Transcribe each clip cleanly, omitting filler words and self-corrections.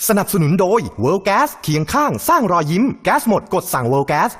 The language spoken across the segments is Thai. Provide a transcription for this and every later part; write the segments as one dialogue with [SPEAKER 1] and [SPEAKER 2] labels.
[SPEAKER 1] สนับสนุนโดย World Gas เคียงข้างสร้างรอยยิ้มแก๊สหมดกดสั่ง World Gas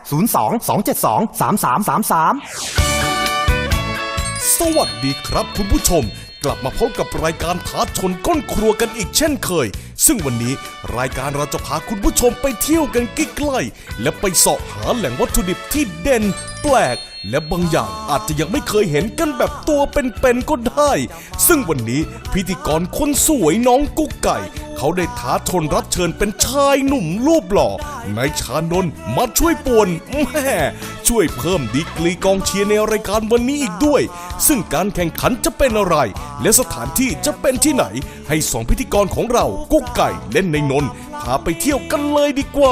[SPEAKER 1] 02-272-3333
[SPEAKER 2] สวัสดีครับคุณผู้ชมกลับมาพบกับรายการท้าชนก้นครัวกันอีกเช่นเคยซึ่งวันนี้รายการเราจะพาคุณผู้ชมไปเที่ยวกันใกล้ๆและไปเสาะหาแหล่งวัตถุดิบที่เด่นแปลกและบางอย่างอาจจะยังไม่เคยเห็นกันแบบตัวเป็นๆก็ได้ซึ่งวันนี้พิธีกรคนสวยน้องกุ๊กไก่เขาได้ท้าชนรับเชิญเป็นชายหนุ่มรูปหล่อนายชานนท์มาช่วยป่วนแม่ช่วยเพิ่มดีกรีกองเชียร์ในรายการวันนี้อีกด้วยซึ่งการแข่งขันจะเป็นอะไรและสถานที่จะเป็นที่ไหนให้สองพิธีกรของเรากุ๊กไก่เล่นในนนท์พาไปเที่ยวกันเลยดีกว่า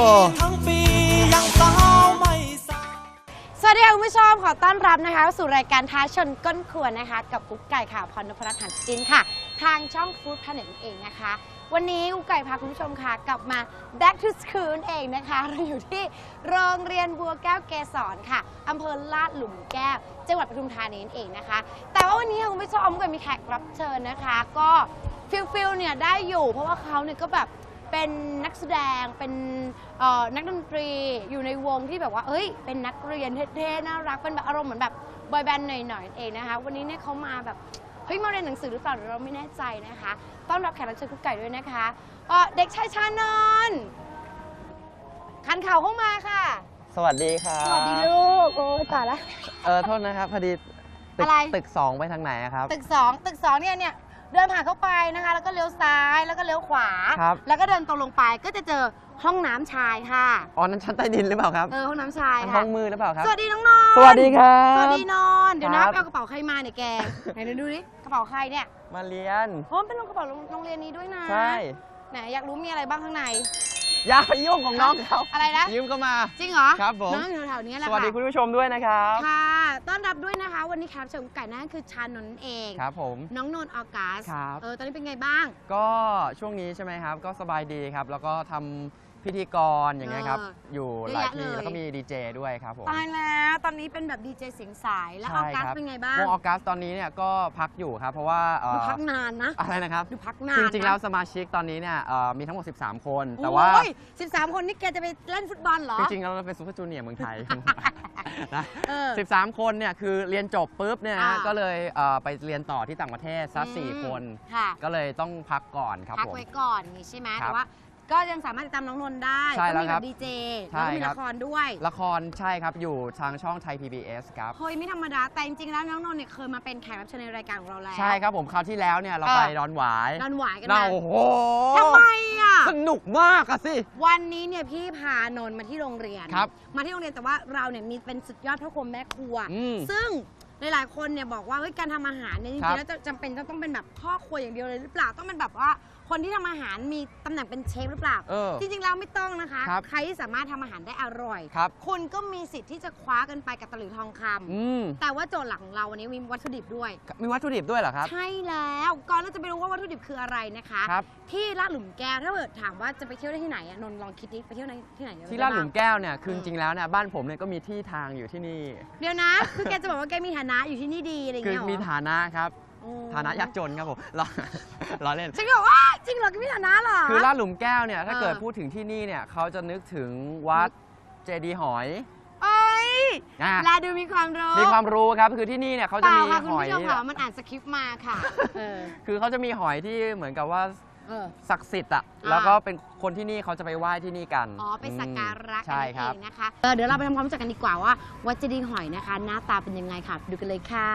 [SPEAKER 3] สวัสดีค่ะคุณผู้ชมขอต้อนรับนะคะสู่รายการท้าชนก้นครัวนะคะกับกุ๊กไก่ค่ะพรณพรัตน์ หันจินค่ะทางช่องฟู้ดแพลเน็ตเองนะคะวันนี้กุ๊กไก่พาคุณผู้ชมค่ะกลับมา back to school เองนะคะเราอยู่ที่โรงเรียนบัวแก้วเกษรค่ะอำเภอลาดหลุมแก้วจังหวัดปทุมธานีเองนะคะแต่ว่าวันนี้คุณผู้ชมก็มีแขกรับเชิญนะคะก็ฟิลเนี่ยได้อยู่เพราะว่าเขาเนี่ยก็แบบเป็นนักแสดงเป็นนักดนตรีอยู่ในวงที่แบบว่าเอ้ยเป็นนักเรียนเท่ๆน่ารักเป็นแบบอารมณ์เหมือนแบบบอยแบนด์หน่อยๆเองนะคะวันนี้เนี่ยเขามาแบบเฮ้ยมาเรียนหนังสือหรือเปล่าเราไม่แน่ใจนะคะต้อนรับแขกรับเชิญกุ๊กไก่ด้วยนะคะเด็กชายชานนท์คันเข่าเข้ามาค่ะ
[SPEAKER 4] สวัสดีครับ
[SPEAKER 3] สวัสดีลูกโอ้ยตายละ
[SPEAKER 4] โทษนะครับพอดีตึก2ไปทางไหนครับ
[SPEAKER 3] ตึก2เนี่ยเดินผ่านเข้าไปนะคะแล้วก็เลี้ยวซ้ายแล้วก็เลี้ยวขวาแล้วก็เดินตรงลงไปก็จะเจอห้องน้ำชายค่ะ
[SPEAKER 4] อ๋อนั้นชั้นใต้ดินหรือเปล่าครับ
[SPEAKER 3] ห้องน้ำชายค่ะ
[SPEAKER 4] ห้องมือหรือเปล่าครับ
[SPEAKER 3] สวัสดีน้องนนท์
[SPEAKER 4] สวัสดีครับ
[SPEAKER 3] สวัสดีนนท์เดี๋ยวนะเอากระเป๋าใครมาเนี่ยแกไหนดูดิกระเป๋าใครเนี่ย
[SPEAKER 4] มาเรียน
[SPEAKER 3] เพราะมันเป็นกระเป๋าโรงเรียนนี้ด้วยนะ
[SPEAKER 4] ใช่
[SPEAKER 3] ไหนอยากรู้มีอะไรบ้างข้างใน
[SPEAKER 4] อย่าไปยุ่งของน้องเขา
[SPEAKER 3] อะไรนะ
[SPEAKER 4] ยืมก็มา
[SPEAKER 3] จริงเหรอ
[SPEAKER 4] ครับผม
[SPEAKER 3] น้องอยู่แถวนี้แหละ
[SPEAKER 4] สวัสดีคุณผู้ชมด้วยนะครับ
[SPEAKER 3] ค่ะต้อนรับด้วยนะคะวันนี้แขกรับเชิญไก่นั่นคือชานนท์เอง
[SPEAKER 4] ครับผม
[SPEAKER 3] น้องนนท์ออกัส
[SPEAKER 4] ครับ
[SPEAKER 3] ตอนนี้เป็นไงบ้าง
[SPEAKER 4] ก็ช่วงนี้ใช่ไหมครับก็สบายดีครับแล้วก็ทำพิธีกรอย่างเงี้ยครับอยู่หลายที่แล้วก็มีดีเจด้วยครับผม
[SPEAKER 3] ตายแล้วตอนนี้เป็นแบบดีเจเสียงสายแล้วออกัสเป็นไงบ้าง
[SPEAKER 4] วงออกัสตอนนี้เนี่ยก็พักอยู่ครับเพราะว่า
[SPEAKER 3] พักนานนะ
[SPEAKER 4] อะไรนะครับ
[SPEAKER 3] ดูพักนาน
[SPEAKER 4] จริงๆแล้วสมาชิกตอนนี้เนี่ยมีทั้งหมด13คนแต่ว่า
[SPEAKER 3] 13คนนี่แกจะไปเล่นฟุตบอลเหรอ
[SPEAKER 4] จริงๆเราเป็นซูเปอร์จูเนียร์เมืองไทยนะ13คนเนี่ยคือเรียนจบปุ๊บเนี่ยก็เลยไปเรียนต่อที่ต่างประเทศซะ4คนก็เลยต้องพักก่อนครับผม
[SPEAKER 3] พักไว้ก่อนนี่ใช่ไหมแต่ว่าก็ยังสามารถติดตามน้องนนท์ได้ก็มีแบบดีเจแล้วก็มีละครด้วย
[SPEAKER 4] ละครใช่ครับอยู่ทางช่องไทย PBS ครับ
[SPEAKER 3] เฮ้ยไม่ธรรมดาแต่จริงๆแล้วน้องนนท์เนี่ยเคยมาเป็นแขกรับเชิญในรายการของเราแล้ว
[SPEAKER 4] ใช่ครับผมคราวที่แล้วเนี่ยเราไปดอนหวาย
[SPEAKER 3] กันมา
[SPEAKER 4] โอ้โห
[SPEAKER 3] ทำไมอ่ะ
[SPEAKER 4] สนุกมากอะสิ
[SPEAKER 3] วันนี้เนี่ยพี่พานนท์มาที่โรงเรียนมาที่โรงเรียนแต่ว่าเราเนี่ยมีเป็นสุดยอดพ่อครัวแม่ครัวซึ่งหลายๆคนเนี่ยบอกว่าเฮ้ยการทำอาหารเนี่ยจริงๆแล้วจำเป็นต้องเป็นแบบพ่อครัวอย่างเดียวเลยหรือเปล่าต้องเป็นแบบว่าคนที่ทำอาหารมีตำแหน่งเป็นเชฟหรือเปล่าจริงๆแล้วไม่ต้องนะคะใครที่สามารถทำอาหารได้อร่อยคุณก็มีสิทธิ์ที่จะคว้ากันไปกับตะหลิวทองคำแต่ว่าโจทย์หลักของเราวันนี้มีวัตถุดิบด้วย
[SPEAKER 4] มีวัตถุดิบด้วยเหรอครับ
[SPEAKER 3] ใช่แล้วก่อนเราจะไปรู้ว่าวัตถุดิบคืออะไรนะคะที่ลาดหลุมแก้วถ้าเกิดถามว่าจะไปเที่ยวได้ที่ไหนนนท์ลองคิดดิไปเที่ยวที่ไหน
[SPEAKER 4] ที่ลาดหลุมแก้วเนี่ยคือจริงๆแล้วเนี่ยบ้านผมเนี่ยก็มีที่ทางอยู่ที่นี่
[SPEAKER 3] เดี๋ยวนะคือแกจะบอกว่าแกมีฐานะอยู่ที่นี่ดีอะไรอย่างเงี้ย
[SPEAKER 4] คือมีฐานะครับฐานะยากจนครับผมล้อเล่น
[SPEAKER 3] จริงเหรอว่าจริงเหรอก็มีฐานะเหรอ
[SPEAKER 4] คือลาดหลุมแก้วเนี่ยถ้าเกิดพูดถึงที่นี่เนี่ยเขาจะนึกถึงวัดเจดีย์หอย
[SPEAKER 3] เอ้ยแลดูมีความ
[SPEAKER 4] รู้ครับคือที่นี่เนี่ยเขาจะมีหอย
[SPEAKER 3] มันอ่านสคริปต์มาค่ะ
[SPEAKER 4] คือเขาจะมีหอยที่เหมือนกับว่าศักดิ์สิทธิ์อ่ะแล้วก็เป็นคนที่นี่เขาจะไปไหว้ที่นี่กัน
[SPEAKER 3] ไปสักการะกันเองนะคะเดี๋ยวเราไปทำความรู้จักกันดีกว่าว่าวัดเจดีย์หอยนะคะหน้าตาเป็นยังไงค่ะดูกันเลยค่ะ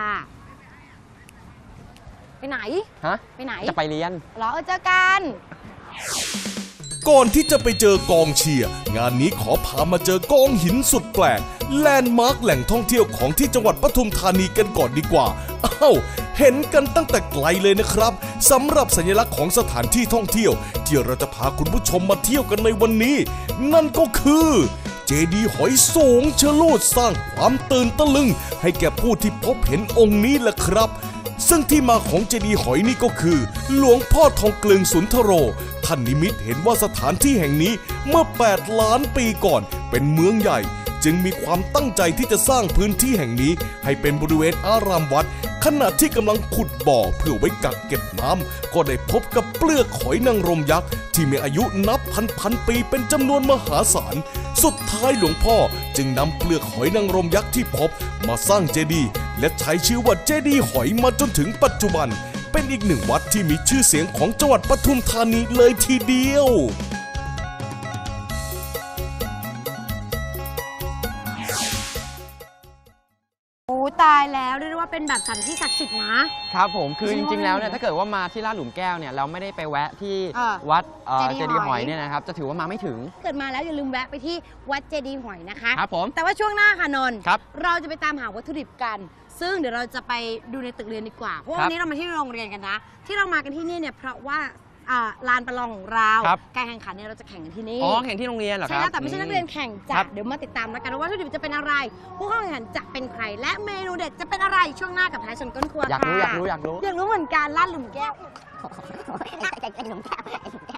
[SPEAKER 3] ไปไหนไปไหน
[SPEAKER 4] จะไปเรียน
[SPEAKER 3] เหรอเจอกัน
[SPEAKER 2] ก่อนที่จะไปเจอกองเชียร์งานนี้ขอพามาเจอกองหินสุดแปลกแลนด์มาร์คแหล่งท่องเที่ยวของที่จังหวัดปทุมธานีกันก่อนดีกว่าเห็นกันตั้งแต่ไกลเลยนะครับสำหรับสัญลักษณ์ของสถานที่ท่องเที่ยวที่เราจะพาคุณผู้ชมมาเที่ยวกันในวันนี้นั่นก็คือเจดีย์หอยสูงชะลูดสร้างความตื่นตะลึงให้แก่ผู้ที่พบเห็นองค์นี้แหละครับซึ่งที่มาของเจดีย์หอยนี่ก็คือหลวงพ่อทองกลึงสุนทโรท่านนิมิตเห็นว่าสถานที่แห่งนี้เมื่อ8 ล้านปีก่อนเป็นเมืองใหญ่จึงมีความตั้งใจที่จะสร้างพื้นที่แห่งนี้ให้เป็นบริเวณอารามวัดขณะที่กำลังขุดบ่อเพื่อไว้กักเก็บน้ำก็ได้พบกับเปลือกหอยนางรมยักษ์ที่มีอายุนับพันปีเป็นจำนวนมหาศาลสุดท้ายหลวงพ่อจึงนำเปลือกหอยนางรมยักษ์ที่พบมาสร้างเจดีย์และใช้ชื่อว่าเจดีย์หอยมาจนถึงปัจจุบันเป็นอีกหนึ่งวัดที่มีชื่อเสียงของจังหวัดปทุมธานีเลยทีเดียว
[SPEAKER 3] โอ้ตายแล้วเรียกได้ว่าเป็นแบบสถานที่ศักดิ์สิทธิ์นะครับ
[SPEAKER 4] ผมคือจริงๆแล้วเนี่ยถ้าเกิดว่ามาที่ลาดหลุมแก้วเนี่ยเราไม่ได้ไปแวะที่
[SPEAKER 3] วั
[SPEAKER 4] วัด
[SPEAKER 3] เจดีย์
[SPEAKER 4] เจดีย์หอย
[SPEAKER 3] หอย
[SPEAKER 4] เนี่ยนะครับจะถือว่ามาไม่ถึง
[SPEAKER 3] เกิดมาแล้วอย่าลืมแวะไปที่วัดเจดีย์หอยนะคะ
[SPEAKER 4] ครับผม
[SPEAKER 3] แต่ว่าช่วงหน้าค่ะนนท์
[SPEAKER 4] ครับ
[SPEAKER 3] เราจะไปตามหาวัตถุดิบกัน ซึ่งเดี๋ยวเราจะไปดูในตึกเรียนดีกว่าเพราะว่า
[SPEAKER 4] ครับ
[SPEAKER 3] วันนี้เรามาที่โรงเรียนกันนะที่เรามากันที่นี่เนี่ยเพราะว่าลานประลองของเรา
[SPEAKER 4] ครับ
[SPEAKER 3] การแข่งขันเนี่ยเราจะแข่งกันที่นี่
[SPEAKER 4] อ๋อแข่งที่โรงเรียนเหรอค
[SPEAKER 3] ใช่
[SPEAKER 4] รับ
[SPEAKER 3] แล้วแต่ไม่ใช่นักเรียนแข่งจ้ะ
[SPEAKER 4] ครับ
[SPEAKER 3] เดี๋ยวมาติดตามแล้วกันว่าวัตถุดิบจะเป็นอะไร ผู้เข้าแข่งขันจะเป็นใคร และเมนูเด็ดจะเป็นอะไรช่วงหน้ากับท้ายชนก้นครัว
[SPEAKER 4] อยากรู้
[SPEAKER 3] ค่ะ
[SPEAKER 4] อยากรู้
[SPEAKER 3] อยากรู้เหมือนกันลาดหลุมแก้ว
[SPEAKER 5] ไอ้หนุ่มแก้ว